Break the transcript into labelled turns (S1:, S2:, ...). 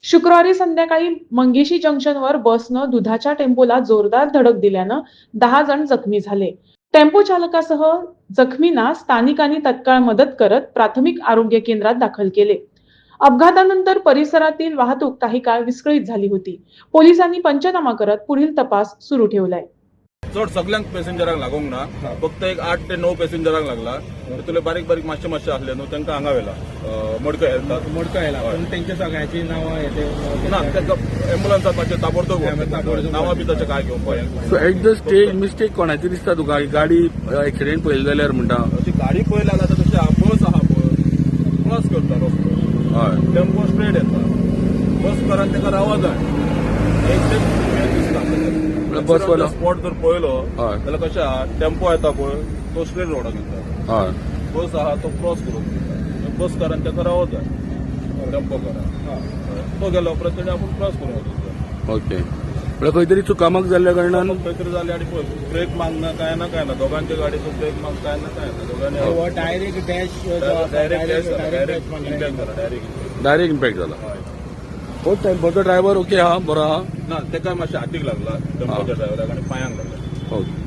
S1: शुक्रवारी संध्याकाळी मंगेशी जंक्शनवर बसनं दुधाच्या टेम्पोला जोरदार धडक दिल्यानं 10 जण जखमी झाले. टेम्पो चालकासह जखमींना स्थानिकांनी तत्काळ मदत करत प्राथमिक आरोग्य केंद्रात दाखल केले. अपघातानंतर परिसरातील वाहतूक काही काळ विस्कळीत झाली होती. पोलिसांनी पंचनामा करत पुढील तपास सुरू ठेवलाय.
S2: चड सगळ्यांक पॅसेंजरांक लागोंक ना, फक्त एक 8 ते 9 पॅसेंजरांक लागला. तितूंतले बारीक बारीक मातशे आसले न्हू, तांकां हांगा व्हेला मडकय येतात.
S3: मोडका पण त्यांच्या सगळ्याची नावं
S2: ना तांकां एम्ब्युलन्सात मातशें ताबडतोब नांवां बी तशें काय घेवपाक.
S4: So at the stage mistake कोणाची दिसता तुका? गाडी एक्सिडेंट पळयली जाल्यार म्हणटा
S2: अशी गाडी पळयली जाल्यार तशें बस आहा पळय, क्रॉस करता रस्तो.
S4: हय,
S2: टेम्पो स्ट्रेट येता, बस करान ताका रावा जाय.
S4: बसवालो
S2: स्पॉट जर पळयलो
S4: हय
S2: जाल्यार कशें आहा, टेम्पो येता पळय तो स्ट्रेट रोडाक येता,
S4: हय
S2: बस आहा तो क्रॉस करून दिता. बस करान ताका रावो जाय, टेम्पो करान तो गेलो उपरांत तेणी आपूण क्रॉस करून वचूंक जाय.
S4: ओके. म्हळ्यार खंय तरी चुकामक जाल्ल्या कारणान
S2: खंय तरी जालें आनी पळय ब्रेक मागना काय ना दोगांच्या गाडयेचो ब्रेक माग काय ना दोगांनी
S3: डायरेक्ट डॅश
S4: डायरेक्ट इम्पॅक्ट जाला. हो टेम्पोचो ड्रायव्हर ओके आहा, बरो आहा?
S2: ना ताका मातशें हातीक लागला टेम्पोच्या ड्रायव्हराक आनी पांयांक लागला.
S4: ओके.